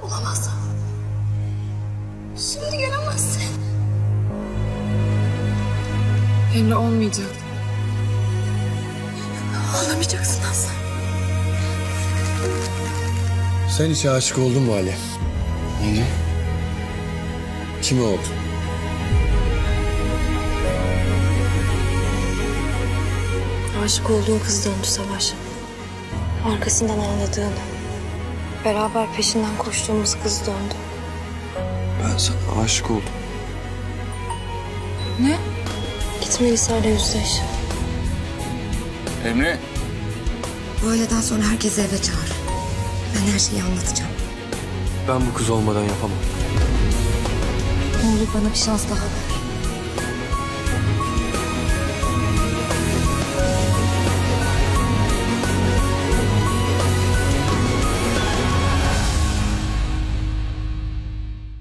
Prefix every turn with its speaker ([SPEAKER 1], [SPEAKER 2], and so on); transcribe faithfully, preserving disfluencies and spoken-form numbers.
[SPEAKER 1] Olamaz. Şimdi gelemezsin.
[SPEAKER 2] Emre olmayacak.
[SPEAKER 1] Ağlamayacaksın Aslan.
[SPEAKER 3] Sen hiç aşık oldun mu Ali?
[SPEAKER 4] Niye?
[SPEAKER 3] Kime oldun?
[SPEAKER 1] Aşık olduğun kız döndü Savaş. Arkasından ağladığın, beraber peşinden koştuğumuz kız döndü.
[SPEAKER 4] Ben sana aşık oldum.
[SPEAKER 2] Ne?
[SPEAKER 1] Git Melisa'yla yüzleş.
[SPEAKER 4] Emre.
[SPEAKER 5] Bu öğleden sonra herkesi eve çağır. Ben her şeyi anlatacağım.
[SPEAKER 4] Ben bu kız olmadan yapamam.
[SPEAKER 5] Ne olur bana bir şans daha ver.